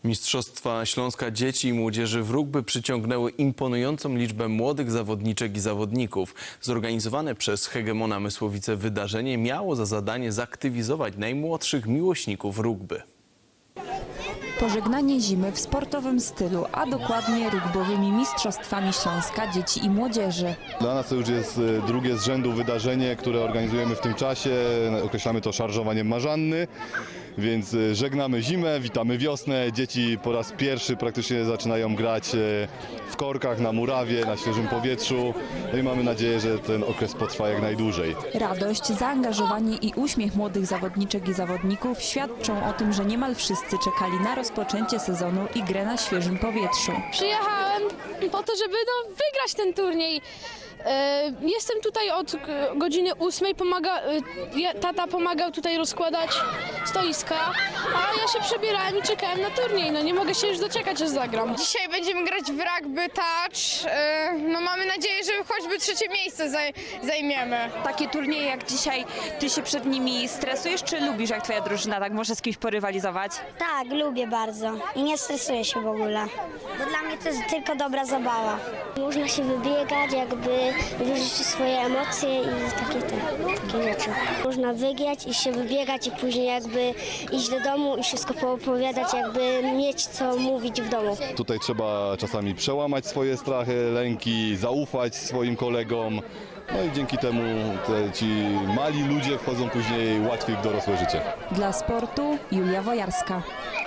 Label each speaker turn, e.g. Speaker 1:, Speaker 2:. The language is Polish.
Speaker 1: Mistrzostwa Śląska dzieci i młodzieży w rugby przyciągnęły imponującą liczbę młodych zawodniczek i zawodników. Zorganizowane przez Hegemona Mysłowice wydarzenie miało za zadanie zaktywizować najmłodszych miłośników rugby.
Speaker 2: Pożegnanie zimy w sportowym stylu, a dokładnie rugbowymi Mistrzostwami Śląska dzieci i młodzieży.
Speaker 3: Dla nas to już jest drugie z rzędu wydarzenie, które organizujemy w tym czasie. Określamy to szarżowaniem marzanny, więc żegnamy zimę, witamy wiosnę. Dzieci po raz pierwszy praktycznie zaczynają grać w korkach, na murawie, na świeżym powietrzu. No i mamy nadzieję, że ten okres potrwa jak najdłużej.
Speaker 2: Radość, zaangażowanie i uśmiech młodych zawodniczek i zawodników świadczą o tym, że niemal wszyscy czekali na rozpoczęcie sezonu i grę na świeżym powietrzu.
Speaker 4: Przyjechałem po to, żeby wygrać ten turniej. Jestem tutaj od godziny 8. Tata pomagał tutaj rozkładać stoiska, a ja się przebierałem i czekałem na turniej. No nie mogę się już doczekać, aż zagram.
Speaker 5: Dzisiaj będziemy grać w rugby touch. No mamy nadzieję, że choćby trzecie miejsce zajmiemy.
Speaker 2: Takie turnieje jak dzisiaj, ty się przed nimi stresujesz, czy lubisz, jak twoja drużyna tak może z kimś porywalizować?
Speaker 6: Tak, lubię bardzo i nie stresuję się w ogóle, bo dla mnie to jest tylko dobra zabawa. Można się wybiegać, jakby wyżyć swoje emocje i takie rzeczy. Można wygrać i się wybiegać i później jakby iść do domu i wszystko poopowiadać, jakby mieć co mówić w domu.
Speaker 3: Tutaj trzeba czasami przełamać swoje strachy, lęki, zaufać swoim kolegom. No i dzięki temu ci mali ludzie wchodzą później łatwiej w dorosłe życie.
Speaker 2: Dla sportu Julia Wojarska.